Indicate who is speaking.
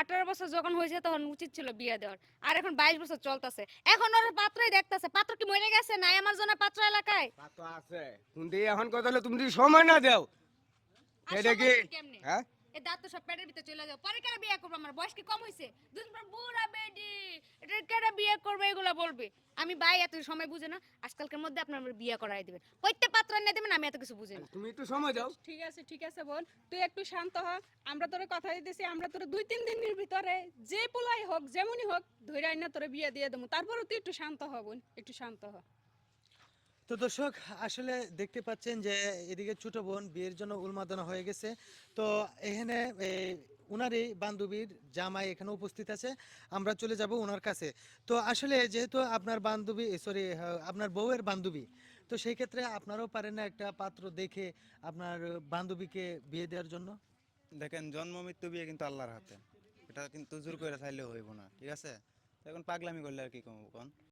Speaker 1: 18 বছর যখন হয়েছে তখন উচিত ছিল বিয়ে দেওয়ার। আর এখন 22 বছর চলতেছে, এখন ওর পাত্রই দেখতেছে। পাত্র কি মরে গেছে নাই আমার জন্য পাত্র এলাকায়?
Speaker 2: তা তো আছে কিন্তু এখন কথা হলো তুমি যদি সময় না দাও
Speaker 1: আর
Speaker 2: এটা
Speaker 1: সময়
Speaker 2: কি
Speaker 1: দিবি কেমনে?
Speaker 2: হ্যাঁ
Speaker 1: এই দাঁত তো সব পেটের ভিতরে চলে যাও, পরে কেন বিয়ে করবো? আমার বয়স কি কম হয়েছে? দুদিন পর বুড়া বেডি, এটা কেন বিয়ে করবে এগুলা বলবে। আমি ভাই এত সময় বুঝে না, আজকালকার মধ্যে আপনার আমার বিয়ে করাই দিবেন, কইতে পাত্র এনে দিবেন, আমি এত কিছু বুঝি না।
Speaker 2: তুমি একটু সময় দাও
Speaker 3: ঠিক আছে বোন, তুই একটু শান্ত হ। আমরা তোরে কথা দিতেছি, আমরা তোরে 2-3 দিনের ভিতরে যে পোলাই হোক যেমনই হোক ধরে আইনা তোরে বিয়ে দিয়ে দেবো। তারপরে তুই একটু শান্ত হ বোন, একটু শান্ত হ।
Speaker 4: তো দর্শক আসলে দেখতে পাচ্ছেন যে এদিকে ছোট বোন বিয়ের জন্য উন্মাদনা হয়ে গেছে। তো এখানে উনারই বান্ধবীর জামাই এখানে উপস্থিত আছে, আমরা চলে যাব ওনার কাছে। তো আসলে যেহেতু আপনার বান্ধবী সরি আপনার বউয়ের বান্ধবী, তো সেই ক্ষেত্রে আপনারাও পারেন না একটা পাত্র দেখে আপনার বান্ধবীকে বিয়ে দেওয়ার জন্য?
Speaker 5: দেখেন, জন্ম মৃত্যু বিয়ে কিন্তু আল্লাহর হাতে, এটা কিন্তু জোর করে চাইলেও হইব না, ঠিক আছে? এখন পাগলামি করলে আর কি কম কোন।